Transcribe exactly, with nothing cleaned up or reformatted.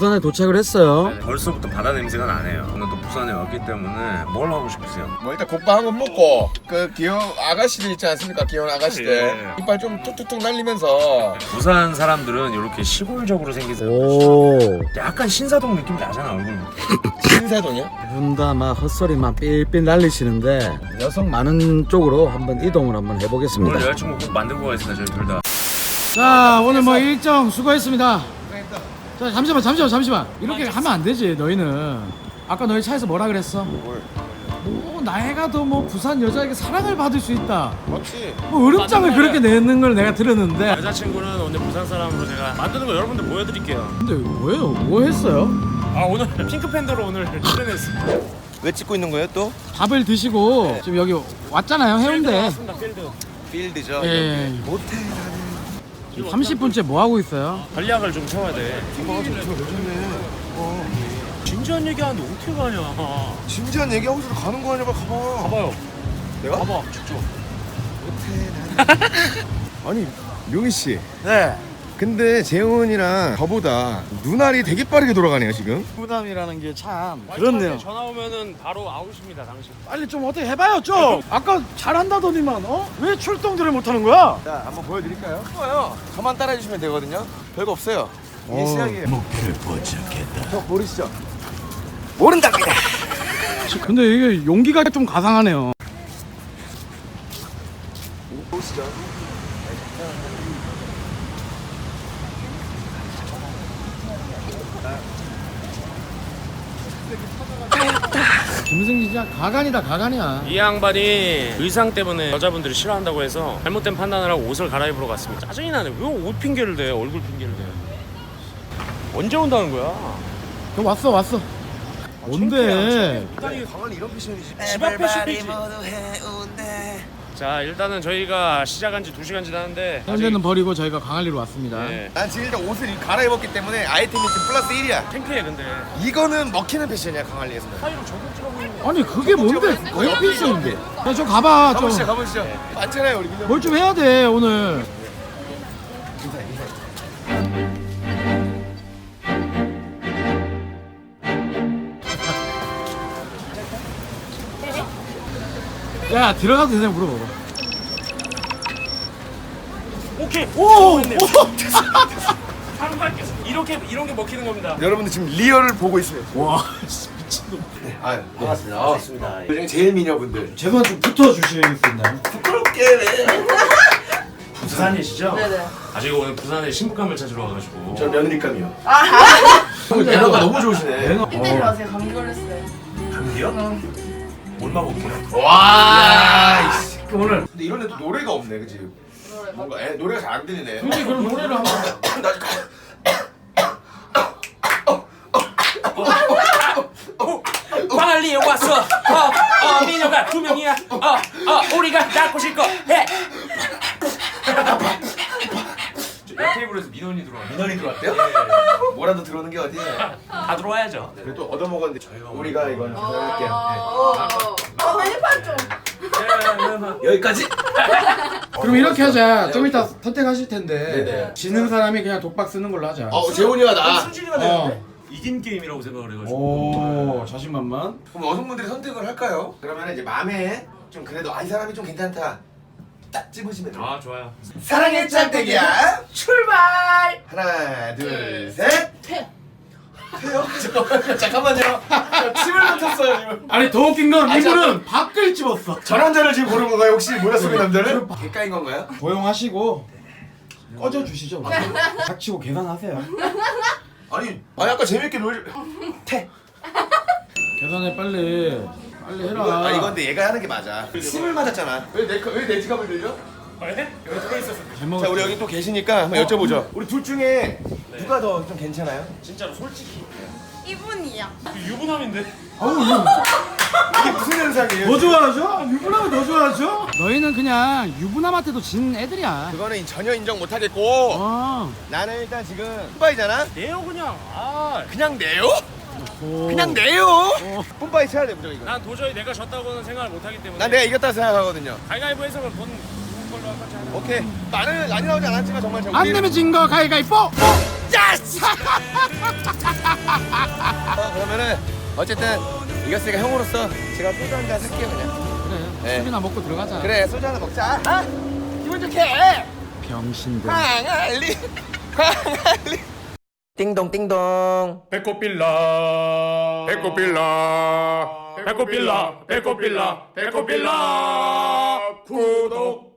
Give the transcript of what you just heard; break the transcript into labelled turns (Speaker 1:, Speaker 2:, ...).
Speaker 1: 부산에 도착을 했어요.
Speaker 2: 네, 벌써부터 바다 냄새가 나네요. 오늘 또 부산에 왔기 때문에 뭘 하고 싶으세요?
Speaker 3: 뭐 일단 국밥 한 번 먹고 그 귀여운 아가씨들 있지 않습니까? 귀여운 아가씨들
Speaker 2: 예.
Speaker 3: 이빨 좀 툭툭툭 날리면서
Speaker 2: 부산 사람들은 이렇게 시골적으로 생긴 사람.
Speaker 1: 오.
Speaker 2: 약간 신사동 느낌 나잖아 얼굴부터.
Speaker 3: 신사동이요?
Speaker 1: 두 분 다 막 헛소리만 삘삘 날리시는데 여성 많은 쪽으로 한번 이동을 한번
Speaker 2: 오늘
Speaker 1: 해보겠습니다.
Speaker 2: 여자친구 꼭 만들고 가겠습니다 저희 둘 다.
Speaker 1: 자, 오늘 뭐 일정 수고했습니다. 자, 잠시만 잠시만 잠시만 이렇게 하면 안 되지. 너희는 아까 너희 차에서 뭐라 그랬어? 뭐 나이가 더 뭐 부산 여자에게 사랑을 받을 수 있다,
Speaker 3: 맞지?
Speaker 1: 뭐 으름장을 그렇게 내는 걸 내가 들었는데.
Speaker 2: 여자친구는 오늘 부산 사람으로 제가 만드는 거 여러분들 보여드릴게요.
Speaker 1: 근데 뭐예요? 뭐 했어요?
Speaker 2: 아 오늘 핑크팬더로 오늘 출연했습니다.
Speaker 3: 왜 찍고 있는 거예요 또?
Speaker 1: 밥을 드시고 지금 여기 왔잖아요, 해운대.
Speaker 2: 필드.
Speaker 3: 필드죠.
Speaker 1: 예.
Speaker 3: 모텔
Speaker 1: 삼십 분째 뭐 하고 있어요?
Speaker 2: 전략을 좀 세워야 돼.
Speaker 3: 김밥가 좀 좋네. 어.
Speaker 2: 진지한 얘기하는데 어떻게 가냐.
Speaker 3: 진지한 얘기하고서 가는 거 아니야? 빨리 가봐.
Speaker 2: 봐봐요.
Speaker 3: 내가?
Speaker 2: 봐봐 직접.
Speaker 3: 아니 명희 씨.
Speaker 1: 네.
Speaker 3: 근데 재훈이랑 저보다 눈알이 되게 빠르게 돌아가네요 지금.
Speaker 1: 부담이라는 게 참 그렇네요.
Speaker 2: 전화 오면은 바로 아웃입니다 당신.
Speaker 1: 빨리 좀 어떻게 해봐요 좀. 아까 잘한다더니만 어? 왜 출동들을 못하는 거야?
Speaker 3: 자 한번 보여드릴까요? 좋아요. 저만 따라해 주시면 되거든요. 별거 없어요. 이게
Speaker 1: 어.
Speaker 3: 시작이에요. 목표를 포착했다. 저 모르시죠? 모른답니다.
Speaker 1: 근데 이게 용기가 좀 가상하네요.
Speaker 3: 보시죠.
Speaker 1: 김승진 진짜 가관이다 가관이야.
Speaker 2: 이 양반이 의상 때문에 여자분들이 싫어한다고 해서 잘못된 판단을 하고 옷을 갈아입으러 갔습니다. 짜증이 나네. 왜 옷 핑계를 대? 얼굴 핑계를 대? 언제 온다는 거야?
Speaker 1: 너 왔어 왔어. 뭔데?
Speaker 3: 강한 이런 패션이지.
Speaker 2: 집 앞 패션이지. 자 일단은 저희가 시작한 지 두 시간 지났는데
Speaker 1: 현대는 버리고 저희가 강할리로 왔습니다.
Speaker 2: 네.
Speaker 3: 난 지금 일단 옷을 갈아입었기 때문에 아이템이 지금 플러스 일이야.
Speaker 2: 창피해 근데.
Speaker 3: 이거는 먹히는 패션이야 강할리에서는.
Speaker 2: 사이로 저격질하고 있는 거.
Speaker 1: 아니 그게 뭔데? 거의 필수인데. 야, 좀 가봐 좀.
Speaker 3: 가보시죠 가보시죠. 많잖아요 우리 민영.
Speaker 1: 뭘 좀 해야 돼 오늘. 야 들어가도 되냐 물어봐봐.
Speaker 2: 오케이.
Speaker 1: 오! 오!
Speaker 2: 바로 갈게요. 이렇게 이런 게 먹히는 겁니다.
Speaker 3: 여러분들 지금 리얼을 보고 있어요.
Speaker 1: 와 미친놈.
Speaker 3: 아 반갑습니다. 반갑습니다. 요즘 제일 미녀분들.
Speaker 1: 제발 좀 붙어주실 수 있나요?
Speaker 3: 부끄럽게 왜?
Speaker 2: 부산이시죠?
Speaker 4: 네네.
Speaker 2: 아 저희가 오늘 부산에 신부감을 찾으러 와가지고.
Speaker 3: 저 며느리감이요. 형 매너가 너무 좋으시네.
Speaker 4: 힘들지 마세요. 감기 걸렸어요.
Speaker 2: 감기요? 얼마 볼게요.
Speaker 3: 와. 이씨. 오늘. 근데 이런 애도 노래가 없네, 그치? 뭔가 애, 노래가 잘 안 들리네.
Speaker 1: 솔직히 그럼 노래를 한번.
Speaker 3: 나
Speaker 2: 빨리 왔어. 어, 어, 미녀가 두 명이야. 어, 어, 우리가 낳고 싶고 해. 옆 테이블에서 민원이 들어와.
Speaker 3: 민원이 들어왔대요? 뭐라도 들어오는 게 어디야?
Speaker 2: 다 들어와야죠.
Speaker 3: 그래도 또 얻어먹었는데 저희가 우리가 이건 할게요.
Speaker 4: 어, 어, 메뉴판 좀.
Speaker 3: 여기까지?
Speaker 1: 그럼 이렇게 하자. 좀 이따 선택하실 텐데.
Speaker 3: 네네.
Speaker 1: 지는 사람이 그냥 독박 쓰는 걸로 하자.
Speaker 3: 어, 재훈이와 나.
Speaker 2: 순진이가
Speaker 1: 어.
Speaker 2: 이긴 게임이라고 생각을 해가지고.
Speaker 1: 오 자신만만.
Speaker 3: 그럼 여성분들이 선택을 할까요? 그러면 이제 마음에 좀 그래도 아, 이 사람이 좀 괜찮다. 딱 집으시면 돼요.
Speaker 2: 아 좋아요.
Speaker 3: 사랑의 짝대기야 출발! 하나 둘 셋.
Speaker 4: 퇴.
Speaker 3: 태요? 잠깐만요. 잠깐만요. 저 침을 뱉었어요 지금.
Speaker 1: 아니 더 웃긴 건
Speaker 3: 아니,
Speaker 1: 이분은 밖을 집었어.
Speaker 3: 전환자를 지금 고른 건가요? 혹시 모자 속의 남자를? 개까인 건가요?
Speaker 1: 고용하시고 꺼져 주시죠. 닥치고 계산하세요.
Speaker 3: 아니 아니 아까 재밌게 놀. 태.
Speaker 1: 계산해 빨리. 빨리 해라.
Speaker 3: 아 이건 근데 얘가 하는 게 맞아. 침을 맞았잖아. 왜내왜 내 지갑을 들려?
Speaker 2: 왜? 여기 들어 있었어.
Speaker 1: 잘 먹었어.
Speaker 3: 자 우리 여기 또 계시니까 한번 여쭤보죠. 우리 둘 중에 누가 더 좀 괜찮아요?
Speaker 2: 진짜로 솔직히
Speaker 4: 이분이야.
Speaker 2: 유부남인데.
Speaker 1: 어우, 이거
Speaker 3: 이게 무슨 현상이에요?
Speaker 1: 더 좋아하죠? 유부남을 더 좋아하죠? 너희는 그냥 유부남한테도 진 애들이야.
Speaker 3: 그거는 전혀 인정 못하겠고
Speaker 1: 어.
Speaker 3: 나는 일단 지금 뿜바이잖아?
Speaker 2: 내요 그냥. 아.
Speaker 3: 그냥 내요?
Speaker 1: 오.
Speaker 3: 그냥 내요? 뿜바이 쳐야 돼 무조건 이거.
Speaker 2: 난 도저히 내가 졌다고는 생각을 못하기 때문에.
Speaker 3: 난 내가 이겼다고 생각하거든요.
Speaker 2: 가위바위보에서 본 걸로 한 거지 않아.
Speaker 3: 오케이. 나는 많이 나오지 않았지만 정말
Speaker 1: 안
Speaker 3: 정말
Speaker 1: 내면 진 거 가위가위뽀.
Speaker 3: 야스! 그러면은 어쨌든 이겼으니까 형으로서 제가 소주 한 잔 살게요 그냥.
Speaker 1: 그래
Speaker 3: 네.
Speaker 1: 술이나 먹고 들어가자.
Speaker 3: 그래 소주 하나 먹자. 아 기분 좋게.
Speaker 1: 병신들.
Speaker 3: 항알리 항알리. 띵동 띵동.
Speaker 2: 배꼽빌라 배꼽빌라 배꼽빌라 배꼽빌라 배꼽빌라 구독